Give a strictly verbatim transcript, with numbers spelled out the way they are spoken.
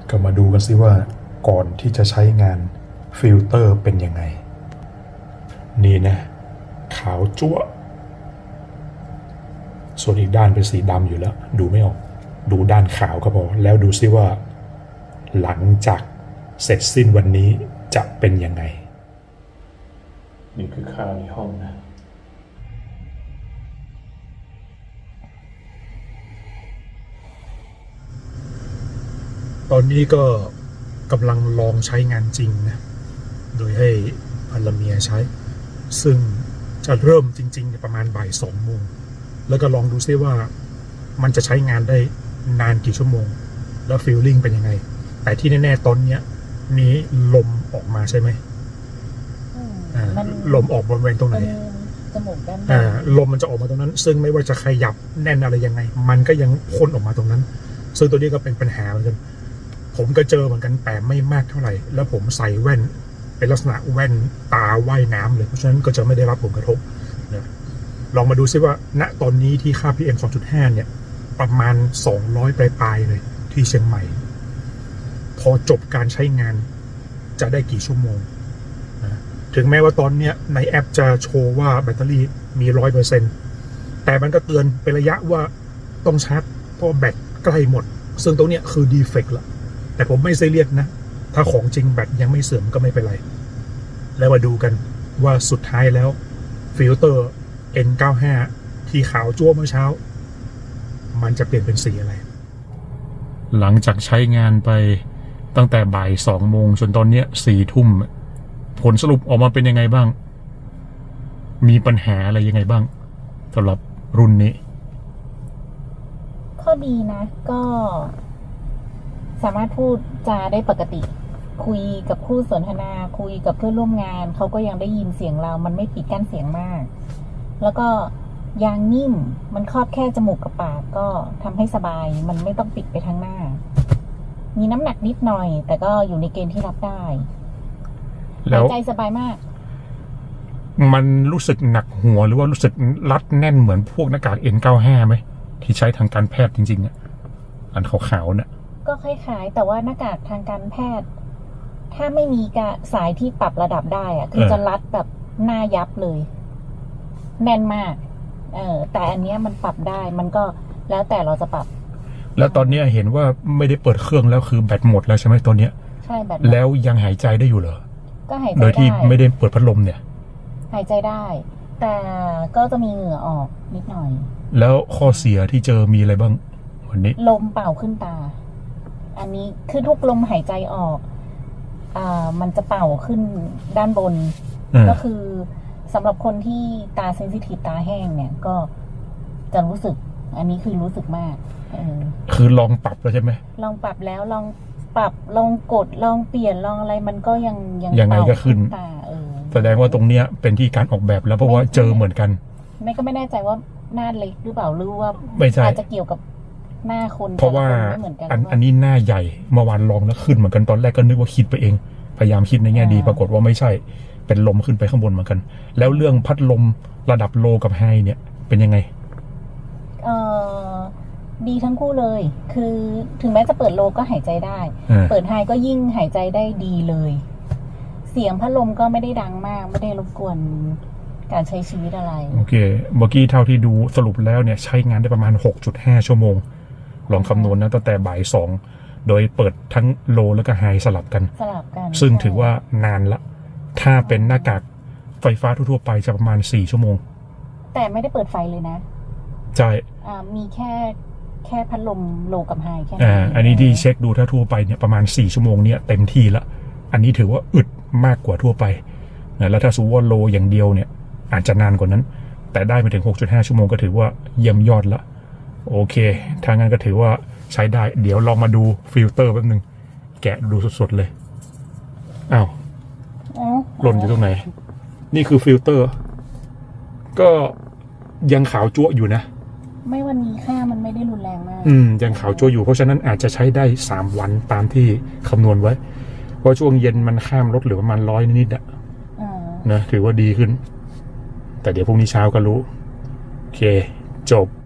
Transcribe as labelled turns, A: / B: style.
A: ก็มาดูกันซิว่าก่อนที่จะใช้งานฟิลเตอร์เป็นยังไงนี่นะขาวจั๊วส่วนอีกด้านเป็นสีดำอยู่แล้วดูไม่ออกดูด้านขาวก็พอแล้วดูซิว่าหลังจากเสร็จสิ้นวันนี้จะเป็นยังไงนี่คือข้าวในห้องนะตอนนี้ก็กำลังลองใช้งานจริงนะโดยให้ภรรเมียใช้ซึ่งจะเริ่มจริงๆประมาณบ่ายสองโมงแล้วก็ลองดูซิว่ามันจะใช้งานได้นานกี่ชั่วโมงแล้วฟีลลิ่งเป็นยังไงแต่ที่แน่ๆตอนเนี้ยนี้ลมออกมาใช่ไหมอ่าลมออกบริเวณตรงไหน
B: จมูกด้าน
A: อ่าลมมันจะออกมาตรงนั้นซึ่งไม่ว่าจะขยับแน่นอะไรยังไงมันก็ยังพ่นออกมาตรงนั้นซึ่งตัวนี้ก็เป็นปัญหาเหมือนกันผมก็เจอเหมือนกันแต่ไม่มากเท่าไหร่แล้วผมใส่แว่นเป็นลักษณะแว่นตาว่ายน้ำเลยเพราะฉะนั้นก็จะไม่ได้รับผลกระทบนะลองมาดูซิว่าณตอนนี้ที่ค่า พี เอ็ม สองจุดห้า เนี่ยประมาณสองร้อยปลายๆเลยที่เชียงใหม่พอจบการใช้งานจะได้กี่ชั่วโมงนะถึงแม้ว่าตอนนี้ในแอปจะโชว์ว่าแบตเตอรี่มี ร้อยเปอร์เซ็นต์ แต่มันก็เตือนเป็นระยะว่าต้องชาร์จเพราะแบตใกล้หมดซึ่งตรงนี้คือดีเฟกต์ละแต่ผมไม่ซีเรียสนะถ้าของจริงแบตยังไม่เสื่อมก็ไม่เป็นไรแล้วมาดูกันว่าสุดท้ายแล้วฟิลเตอร์ เอ็น เก้าสิบห้า ที่ขาวจั่วเมื่อเช้ามันจะเปลี่ยนเป็นสีอะไรหลังจากใช้งานไปตั้งแต่บ่ายสองโมงจนตอนนี้สี่ทุ่มผลสรุปออกมาเป็นยังไงบ้างมีปัญหาอะไรยังไงบ้างสำหรับรุ่นนี้
B: ข้อดีนะก็สามารถพูดจาได้ปกติคุยกับคู่สนทนาคุยกับเพื่อนร่วมงานเขาก็ยังได้ยินเสียงเรามันไม่ปิดกั้นเสียงมากแล้วก็ยางนิ่มมันครอบแค่จมูกกับปากก็ทำให้สบายมันไม่ต้องปิดไปทางหน้ามีน้ำหนักนิดหน่อยแต่ก็อยู่ในเกณฑ์ที่รับได้หายใจสบายมาก
A: มันรู้สึกหนักหัวหรือว่ารู้สึกรัดแน่นเหมือนพวกหน้ากาก เอ็น เก้าสิบห้า ไหมที่ใช้ทางการแพทย์จริงๆอ่ะอันขาวๆเนี่ย
B: ก็คล้ายๆแต่ว่าหน้ากากทางการแพทย์ถ้าไม่มีกะสายที่ปรับระดับได้อะคือจะรัดแบบหน้ายับเลยแน่นมากเออแต่อันนี้มันปรับได้มันก็แล้วแต่เราจะปรับ
A: แล้วตอนนี้เห็นว่าไม่ได้เปิดเครื่องแล้วคือแบตหมดแล้วใช่ไหมตอนนี้
B: ใช่แบต
A: แล้วยังหายใจได้อยู่เหรอ
B: ก็หายใจได้
A: โดยที่ไม่ได้เปิดพัดลมเนี่ย
B: หายใจได้แต่ก็จะมีเหงื่อออกนิดหน่อย
A: แล้วข้อเสียที่เจอมีอะไรบ้างวันนี้
B: ลมเป่าขึ้นตาอันนี้คือทุกลมหายใจออกอ่ามันจะเป่าขึ้นด้านบนก็คือสำหรับคนที่ตาเซนซิทีฟตาแห้งเนี่ยก็จะรู้สึกอันนี้คือรู้สึกมากเออ
A: คือลองปรับแล้วใช่ไหม
B: ลองปรับแล้วลองปรับลองกดลองเปลี่ยนลองอะไรมันก็ยัง
A: ยังยังไงก็ขึ้นตาเออแสดงว่าตรงเนี้ยเป็นที่การออกแบบแล้วเพราะว่าเจอเหมือนกัน
B: ไม่ก็ไม่แน่ใจว่าหน้าเล็กหรือเปล่าหรือว่าอาจจะเกี่ยวกับหน้าคน
A: เพราะว่าอันอันนี้หน้าใหญ่เมื่อวานลองแล้วขึ้นเหมือนกันตอนแรกก็นึกว่าคิดไปเองพยายามคิดในแง่ดีปรากฏว่าไม่ใช่เป็นลมขึ้นไปข้างบนเหมือนกันแล้วเรื่องพัดลมระดับโลกับไฮเนี่ยเป็นยังไง
B: เอ่อดีทั้งคู่เลยคือถึงแม้จะเปิดโลก็หายใจได้เปิดไฮก็ยิ่งหายใจได้ดีเลยเสียงพัดลมก็ไม่ได้ดังมากไม่ได้รบกวนการใช้ชีวิตอะไร
A: โอเคเมื่อกี้เท่าที่ดูสรุปแล้วเนี่ยใช้งานได้ประมาณ หกจุดห้า ชั่วโมงลองคำนวณนะตั้งแต่บ่ายสองโดยเปิดทั้งโลแล้วก็ไฮสลับกัน
B: สลับกัน
A: ซึ่งถือว่านานละถ้าเป็นหน้ากากไฟฟ้าทั่วๆไปจะประมาณสี่ชั่วโมง
B: แต่ไม่ได้เปิดไฟเลยนะ
A: ใช่
B: อ่ามีแค่แค่พัดลมโลกับไฮแค่
A: นั้นอ่าอันนี้ที่เช็คดูถ้าทั่วไปเนี่ยประมาณสี่ชั่วโมงเนี่ยเต็มที่ละอันนี้ถือว่าอึดมากกว่าทั่วไปนะแล้วถ้าสูว่าโลอย่างเดียวเนี่ยอาจจะนานกว่านั้นแต่ได้มาถึง หกจุดห้า ชั่วโมงก็ถือว่าเยี่ยมยอดละโอเคถ้างั้นก็ถือว่าใช้ได้เดี๋ยวลองมาดูฟิลเตอร์แป๊บนึงแกะดูสดๆเลยอ้าวหล่นอยู่ตรงไหนนี่คือฟิลเตอร์ก็ยังขาวจั๊วอยู่นะ
B: ไม่วันนี้ค่ามันไม่ได้รุนแรงมาก
A: อืมยังขาวจั๊วอยู่เพราะฉะนั้นอาจจะใช้ได้สามวันตามที่คำนวณไว้เพราะช่วงเย็นมันข้ามลดเหลือประมาณร้อยนิดๆอ่ะนะถือว่าดีขึ้นแต่เดี๋ยวพรุ่งนี้เช้าก็รู้โอเคจบ